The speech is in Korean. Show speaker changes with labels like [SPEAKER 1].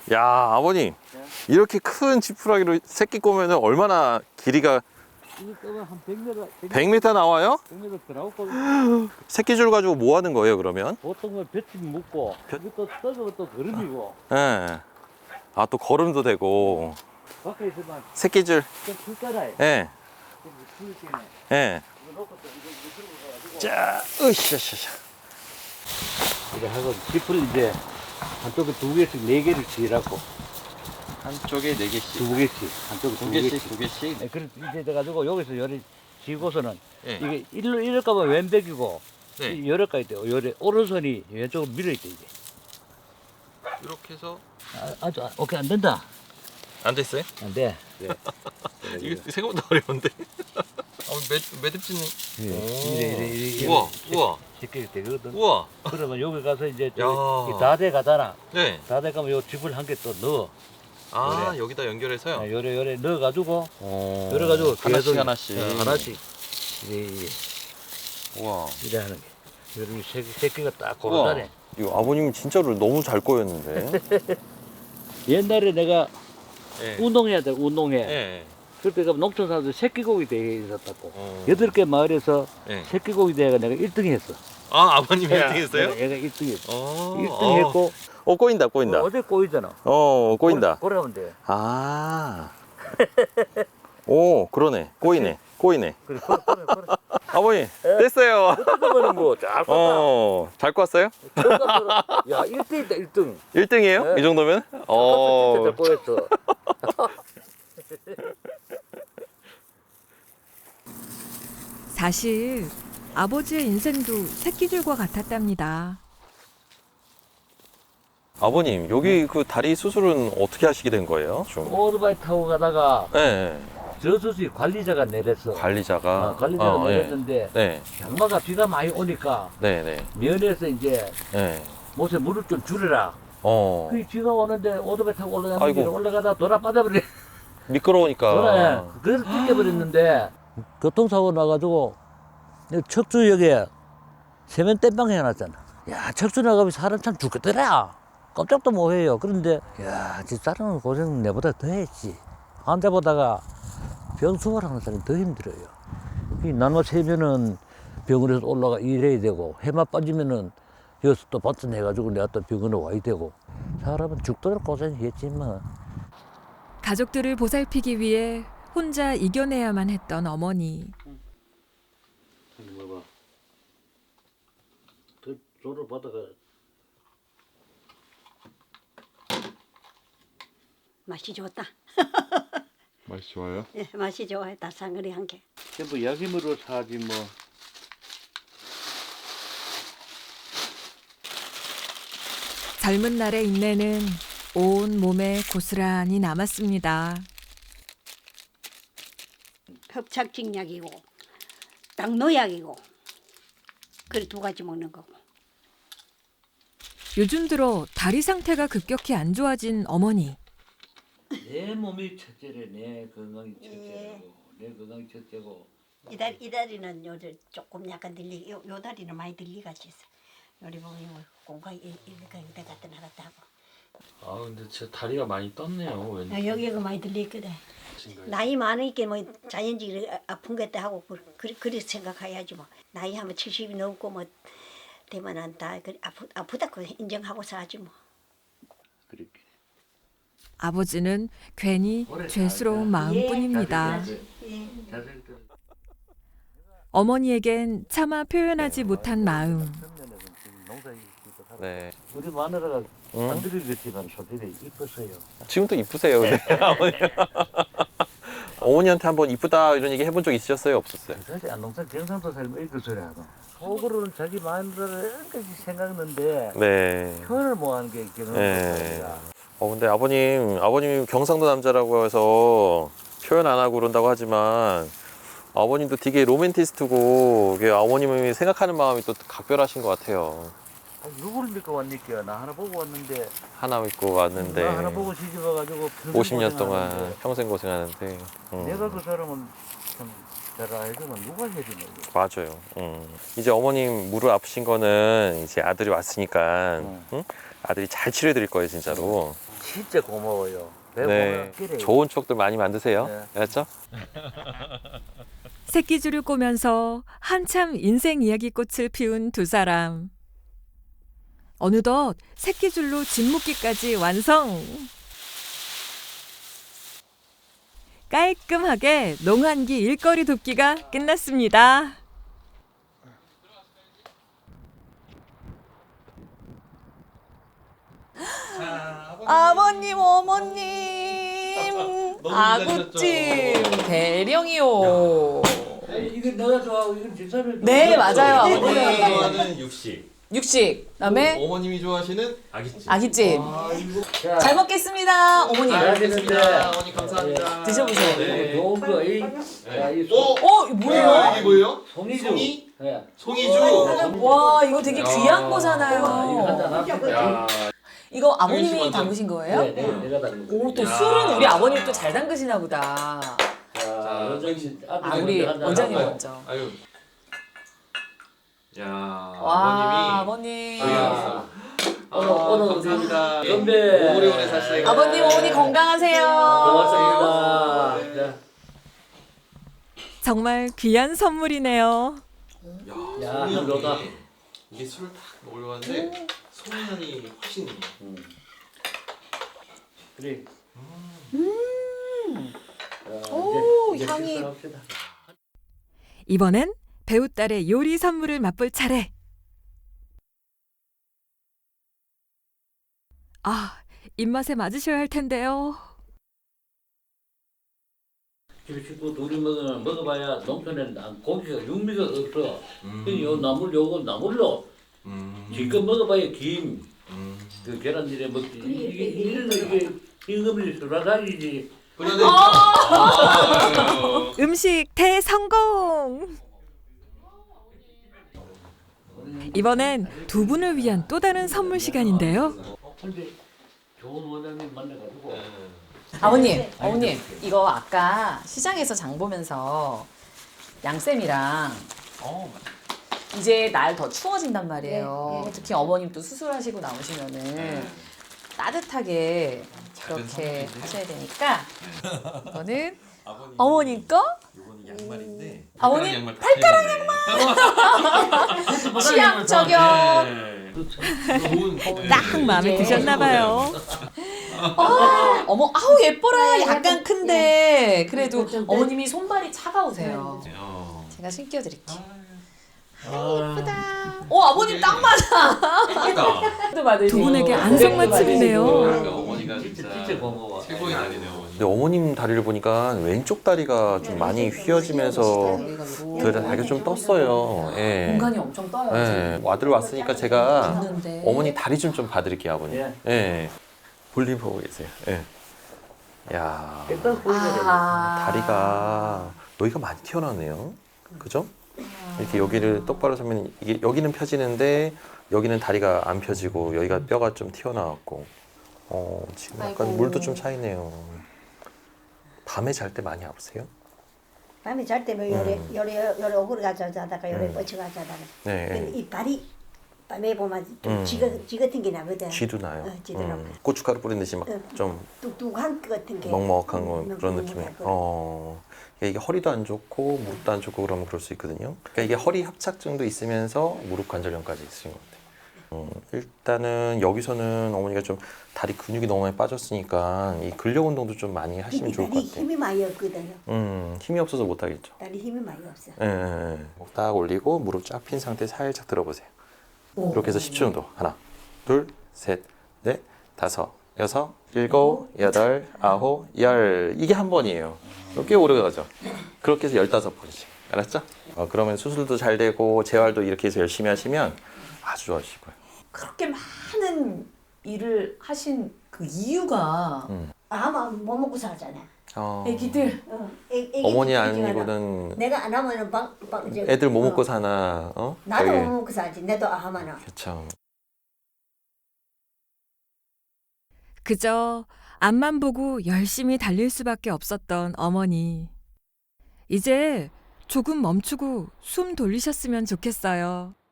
[SPEAKER 1] 야, 아버님. 이렇게 큰 지푸라기로 새끼 꼬면은 얼마나 길이가
[SPEAKER 2] 이거 끄면 한 100m,
[SPEAKER 1] 100m 나와요?
[SPEAKER 2] 100m 들어가고
[SPEAKER 1] 새끼줄 가지고 뭐 하는 거예요, 그러면?
[SPEAKER 2] 보통은 볏짚 묶고 이것도 떠서 또 거름이고
[SPEAKER 1] 예. 아, 또 걸음도 되고.
[SPEAKER 2] 밖에 있으면
[SPEAKER 1] 새끼줄.
[SPEAKER 2] 좀 풀잖아요.
[SPEAKER 1] 예.
[SPEAKER 2] 풀 때문에
[SPEAKER 1] 예.
[SPEAKER 2] 이거 놓고 또 이거 들고 가가지고
[SPEAKER 1] 자, 으쌰.
[SPEAKER 2] 이거 하고 짚을 이제 한쪽에 2개씩 4개를 지으라고
[SPEAKER 1] 한쪽에 4개씩.
[SPEAKER 2] 2개씩 한쪽에 2개씩
[SPEAKER 1] 2개씩.
[SPEAKER 2] 네, 그래서 이제 돼가지고 여기서 열이 지고서는
[SPEAKER 1] 예.
[SPEAKER 2] 이게 이럴까면 왼백이고
[SPEAKER 1] 네.
[SPEAKER 2] 열을까지 돼요. 열에 오른손이 왼쪽으로 밀어있대 이게.
[SPEAKER 1] 이렇게 해서
[SPEAKER 2] 오케이 안 된다.
[SPEAKER 1] 안 됐어요?
[SPEAKER 2] 안 돼. 네.
[SPEAKER 1] 이게 생각보다 어려운데. 매듭지는.
[SPEAKER 2] 이래.
[SPEAKER 1] 우와.
[SPEAKER 2] 쉽게 되거든.
[SPEAKER 1] 우와.
[SPEAKER 2] 그러면 여기 가서 이제
[SPEAKER 1] 야.
[SPEAKER 2] 다대 가잖아.
[SPEAKER 1] 네.
[SPEAKER 2] 다대 가면 요 집을 한 개 또 넣어.
[SPEAKER 1] 아,
[SPEAKER 2] 그래.
[SPEAKER 1] 여기다 연결해서요?
[SPEAKER 2] 요래 넣어가지고 열어가지고
[SPEAKER 1] 하나씩
[SPEAKER 2] 계속
[SPEAKER 1] 하나씩.
[SPEAKER 2] 하나씩 이래
[SPEAKER 1] 우와.
[SPEAKER 2] 이래 하는 게. 여기 세 개가 딱
[SPEAKER 1] 우와.
[SPEAKER 2] 고르다네.
[SPEAKER 1] 이거 아버님 진짜로 너무 잘 꼬였는데.
[SPEAKER 2] 옛날에 내가
[SPEAKER 1] 예.
[SPEAKER 2] 운동해야 돼 운동해.
[SPEAKER 1] 예.
[SPEAKER 2] 그때 가면 농촌 사람들 새끼고기 대회에 있었다고.
[SPEAKER 1] 어.
[SPEAKER 2] 8개 마을에서
[SPEAKER 1] 예.
[SPEAKER 2] 새끼고기 대회가 내가 1등 했어.
[SPEAKER 1] 아, 아버님이 1등 했어요?
[SPEAKER 2] 얘가 1등 했어.
[SPEAKER 1] 어.
[SPEAKER 2] 1등 했고
[SPEAKER 1] 꼬인다.
[SPEAKER 2] 어제 꼬이잖아.
[SPEAKER 1] 꼬인다.
[SPEAKER 2] 꼬라면 돼.
[SPEAKER 1] 아. 오, 그러네. 꼬이네.
[SPEAKER 2] 그래.
[SPEAKER 1] 아버님, 됐어요.
[SPEAKER 2] 그러면 뭐잘 껐다.
[SPEAKER 1] 잘 꼬았어요?
[SPEAKER 2] 야 1등이다 1등.
[SPEAKER 1] 1등이에요?
[SPEAKER 2] 네.
[SPEAKER 1] 이 정도면?
[SPEAKER 2] 진짜 잘 꼬였어.
[SPEAKER 3] 사실 아버지의 인생도 새끼줄과 같았답니다.
[SPEAKER 1] 아버님, 여기 그 다리 수술은 어떻게 하시게 된 거예요? 좀.
[SPEAKER 2] 오토바이 타고 가다가
[SPEAKER 1] 네.
[SPEAKER 2] 저수지 관리자가 내렸어.
[SPEAKER 1] 관리자가.
[SPEAKER 2] 관리자가
[SPEAKER 1] 예.
[SPEAKER 2] 내렸는데
[SPEAKER 1] 네.
[SPEAKER 2] 장마가 비가 많이 오니까
[SPEAKER 1] 네.
[SPEAKER 2] 면에서 이제
[SPEAKER 1] 네.
[SPEAKER 2] 못에 물을 좀 줄여라. 그 비가 오는데 오토바이 타고 올라가는
[SPEAKER 1] 아이고.
[SPEAKER 2] 길에 올라가다 돌아 빠져버려.
[SPEAKER 1] 미끄러우니까.
[SPEAKER 2] 그래서 뜯겨버렸는데 교통사고 나가지고 척추역에 세면 땜빵 해놨잖아. 야 척추 나가면 사람 참 죽겠더라. 깜짝도 못해요. 그런데 야 집사람은 고생 내보다 더 했지. 환자보다가 병 수발하는 사람이 더 힘들어요. 이 나눠 세면은 병원에서 올라가 일해야 되고 해마 빠지면은 여기서 또 받쳐내가지고 내가 또 병원에 와야 되고 사람은 죽도록 고생했지만
[SPEAKER 3] 가족들을 보살피기 위해 혼자 이겨내야만 했던 어머니.
[SPEAKER 2] 봐봐. 더 조를 받아가.
[SPEAKER 4] 맛이 좋다.
[SPEAKER 5] 맛이 좋아요?
[SPEAKER 4] 예, 맛이 좋아요. 달상거리한 게.
[SPEAKER 2] 전부 약임으로 사지 뭐.
[SPEAKER 3] 젊은 날의 인내는 온 몸에 고스란히 남았습니다.
[SPEAKER 4] 협착증약이고 당노약이고 그래 2가지 먹는 거고.
[SPEAKER 3] 요즘 들어 다리 상태가 급격히 안 좋아진 어머니.
[SPEAKER 2] 내 몸이 첫째래. 내 건강이
[SPEAKER 4] 예.
[SPEAKER 2] 첫째고. 내 건강이 첫째고.
[SPEAKER 4] 이 다리는 요즘 조금 약간 들리. 요 다리는 많이 들리같이 있어. 요리 보면 공간 이렇게 갔다 나갔다 하고.
[SPEAKER 5] 아 근데 제 다리가 많이 떴네요. 왠지.
[SPEAKER 4] 여기가 많이 들리거든. 나이 많으니까 뭐 자연적으로 아픈 것도 하고 그렇게 생각해야지 뭐. 나이 하면 70이 넘고 뭐 되면 다 아프다고 인정하고 사지 뭐.
[SPEAKER 2] 그렇게.
[SPEAKER 3] 아버지는 괜히 죄스러운 마음뿐입니다.
[SPEAKER 4] 예.
[SPEAKER 3] 어머니에겐 차마 표현하지 못한 마음.
[SPEAKER 1] 네.
[SPEAKER 2] 우리 마누라가
[SPEAKER 1] 응?
[SPEAKER 2] 안 들으겠지만 소들이 이뻤어요.
[SPEAKER 1] 지금도 이쁘세요, 근데. 아버님. 어머니한테 한번 이쁘다 이런 얘기 해본 적 있으셨어요? 없었어요?
[SPEAKER 2] 사실 안동산 경상도 살면 이렇게 소리 하고 속으로는 자기 마누라를 끝까지 생각하는데
[SPEAKER 1] 네.
[SPEAKER 2] 표현을 못하는 게 있기는
[SPEAKER 1] 네.
[SPEAKER 2] 거야.
[SPEAKER 1] 근데 아버님이 경상도 남자라고 해서 표현 안 하고 그런다고 하지만 아버님도 되게 로맨티스트고 이게 아버님이 생각하는 마음이 또 각별하신 것 같아요.
[SPEAKER 2] 누구를 믿고 왔니까? 나 하나 보고 왔는데
[SPEAKER 1] 하나 믿고 왔는데
[SPEAKER 2] 나 하나 보고 시집 와가지고
[SPEAKER 1] 50년 동안
[SPEAKER 2] 고생하는데
[SPEAKER 1] 평생 고생하는데
[SPEAKER 2] 내가 그 사람은 참 잘 알지만 누가 해주냐 이게.
[SPEAKER 1] 맞아요. 이제 어머님 무릎 아프신 거는 이제 아들이 왔으니까 응? 아들이 잘 치료해 드릴 거예요, 진짜로.
[SPEAKER 2] 진짜 고마워요. 배
[SPEAKER 1] 네.
[SPEAKER 2] 보면 기대요.
[SPEAKER 1] 좋은 추억들 많이 만드세요.
[SPEAKER 2] 네.
[SPEAKER 1] 알았죠?
[SPEAKER 3] 새끼줄을 꼬면서 한참 인생 이야기꽃을 피운 두 사람. 어느덧 새끼줄로 짐 묶기까지 완성. 깔끔하게 농한기 일거리 돕기가 끝났습니다.
[SPEAKER 6] 아버님, 어머님, 아구찜 대령이요.
[SPEAKER 2] 이건 내가 좋아하고 이건 집사람이
[SPEAKER 6] 네, 맞아요,
[SPEAKER 1] 어머님이
[SPEAKER 6] 아버님.
[SPEAKER 1] 좋아하는 육식.
[SPEAKER 6] 육식, 그다음에
[SPEAKER 1] 어머님이 좋아하시는 아기찜.
[SPEAKER 6] 아기찜.
[SPEAKER 2] 자,
[SPEAKER 6] 잘 먹겠습니다, 어머님.
[SPEAKER 2] 잘 되는데
[SPEAKER 1] 어머니 감사합니다.
[SPEAKER 6] 드셔보세요.
[SPEAKER 1] 네.
[SPEAKER 2] 좋은 거, 이
[SPEAKER 1] 오!
[SPEAKER 6] 이거 뭐예요?
[SPEAKER 1] 이게 뭐예요?
[SPEAKER 2] 송이주.
[SPEAKER 1] 송이?
[SPEAKER 2] 예.
[SPEAKER 1] 송이주.
[SPEAKER 6] 와, 이거 되게
[SPEAKER 1] 야.
[SPEAKER 6] 귀한
[SPEAKER 2] 이거
[SPEAKER 6] 거잖아요.
[SPEAKER 2] 한잔 합시다.
[SPEAKER 1] 야.
[SPEAKER 6] 이거 아버님이
[SPEAKER 1] 잠시만요.
[SPEAKER 6] 담그신 거예요?
[SPEAKER 2] 네, 내가 담근 거.
[SPEAKER 6] 오, 또
[SPEAKER 1] 야.
[SPEAKER 6] 술은 우리 아버님 또 잘 담그시나 보다.
[SPEAKER 2] 자, 원장님,
[SPEAKER 6] 아, 우리
[SPEAKER 2] 한잔
[SPEAKER 6] 원장님
[SPEAKER 2] 하고.
[SPEAKER 6] 먼저.
[SPEAKER 1] 아유. 야,
[SPEAKER 6] 와, 아버님.
[SPEAKER 1] 아,
[SPEAKER 2] 오늘
[SPEAKER 1] 감사합니다.
[SPEAKER 2] 건배.
[SPEAKER 1] 오래오래 사시고.
[SPEAKER 6] 아버님, 어머니 건강하세요.
[SPEAKER 2] 고맙습니다. 자,
[SPEAKER 3] 정말 귀한 선물이네요.
[SPEAKER 2] 야, 이거다.
[SPEAKER 1] 이게 술을 딱 올려왔는데 송향이 훨씬.
[SPEAKER 2] 그래.
[SPEAKER 6] 오,
[SPEAKER 2] 이제
[SPEAKER 6] 향이.
[SPEAKER 2] 식사합시다.
[SPEAKER 3] 이번엔 배우딸의 요리 선물을 맛볼 차례. 아, 입맛에 맞으셔야 할 텐데요.
[SPEAKER 2] 집에 식구 둘이 먹어봐야 농촌에는 고기가 육미가 없어. 요 나물 요거 나물로 지금 먹어봐야 김, 그 계란들에 먹지. 이게 이게 임금이 수라상이지.
[SPEAKER 3] 음식 대성공! 이번엔 두 분을 위한 또 다른 선물 시간인데요.
[SPEAKER 2] 근데 좋은 원장님 만나가지고.
[SPEAKER 6] 아버님, 어머님, 이거 아까 시장에서 장 보면서 양쌤이랑 이제 날 더 추워진단 말이에요.
[SPEAKER 4] 네, 네.
[SPEAKER 6] 특히 어머님 또 수술하시고 나오시면은 따뜻하게 그렇게 하셔야 되니까 이거는 어머님 거,
[SPEAKER 1] 이거는 양말인데.
[SPEAKER 6] 아버님
[SPEAKER 1] 발가락 양말.
[SPEAKER 6] 취향 저격.
[SPEAKER 1] 좋은.
[SPEAKER 3] 딱 마음에 드셨나 봐요.
[SPEAKER 6] 어머, 아우 예뻐라. 약간 큰데 그래도 어머님이 손발이 차가우세요. 제가 신겨드릴게요. 예쁘다. 아버님 딱 맞아.
[SPEAKER 3] 두 분에게 안성맞춤이네요.
[SPEAKER 1] 어머니가
[SPEAKER 2] 진짜 고마워.
[SPEAKER 1] 최고의 날이네요. 근데 어머님 다리를 보니까 왼쪽 다리가 좀 많이 휘어지면서 다리가 좀 떴어요. 예.
[SPEAKER 6] 공간이 엄청 떠요.
[SPEAKER 1] 예. 아들 왔으니까 제가
[SPEAKER 6] 있는데.
[SPEAKER 1] 어머니 다리 좀 봐드릴게요, 아버님.
[SPEAKER 2] 예.
[SPEAKER 1] 예. 볼일 보고 계세요. 예. 야,
[SPEAKER 2] 일단 보이잖아요.
[SPEAKER 1] 다리가 여기가 많이 튀어나왔네요. 그죠? 이렇게 여기를 똑바로 서면 이게 여기는 펴지는데 여기는 다리가 안 펴지고 여기가 뼈가 좀 튀어나왔고 지금 약간
[SPEAKER 6] 아이고.
[SPEAKER 1] 물도 좀 차이네요. 밤에 잘 때 많이 아프세요?
[SPEAKER 4] 밤에 잘 때면 요래 오그려 가자 자다가 요래 뻗쳐 가자 자다가
[SPEAKER 1] 네.
[SPEAKER 4] 이 발이 밤에 보면 좀
[SPEAKER 1] 음.
[SPEAKER 4] 쥐 같은 게 나거든.
[SPEAKER 1] 쥐도 나요.
[SPEAKER 4] 쥐도 나고
[SPEAKER 1] 고춧가루 뿌린 듯이 막 좀
[SPEAKER 4] 뚝뚝한 것 같은 게
[SPEAKER 1] 먹먹한 거 그런 느낌이에요.
[SPEAKER 4] 먹먹하고.
[SPEAKER 1] 이게 허리도 안 좋고 무릎도 안 좋고 그러면 그럴 수 있거든요. 그러니까 이게 허리 협착증도 있으면서 무릎 관절염까지 있으신 것 같아요. 일단은 여기서는 어머니가 좀 다리 근육이 너무 많이 빠졌으니까 이 근력 운동도 좀 많이 하시면 좋을 것
[SPEAKER 4] 다리
[SPEAKER 1] 같아요.
[SPEAKER 4] 힘이 많이 없거든요.
[SPEAKER 1] 힘이 없어서 못 하겠죠.
[SPEAKER 4] 다리 힘이 많이 없어.
[SPEAKER 1] 예. 딱 올리고 무릎 쫙 핀 상태 살짝 들어보세요. 이렇게 해서 10초 정도. 하나, 둘, 셋, 넷, 다섯, 여섯, 일곱, 여덟, 아홉, 열. 이게 한 번이에요. 꽤 오래 가죠. 그렇게 해서 15번씩. 알았죠? 그러면 수술도 잘 되고 재활도 이렇게 해서 열심히 하시면 아주 좋아지실 거예요.
[SPEAKER 6] 그렇게 많은 일을 하신 그 이유가
[SPEAKER 4] 아마 못 먹고 살잖아.
[SPEAKER 6] 애기들
[SPEAKER 4] 애기
[SPEAKER 1] 어머니
[SPEAKER 4] 키우지
[SPEAKER 1] 아니고는
[SPEAKER 4] 내가 안 하면은
[SPEAKER 1] 애들 뭐 먹고 사나?
[SPEAKER 4] 나도
[SPEAKER 1] 저기.
[SPEAKER 4] 못 먹고 살지. 내도 안 하면은.
[SPEAKER 1] 그쵸.
[SPEAKER 3] 그저 앞만 보고 열심히 달릴 수밖에 없었던 어머니. 이제 조금 멈추고 숨 돌리셨으면 좋겠어요.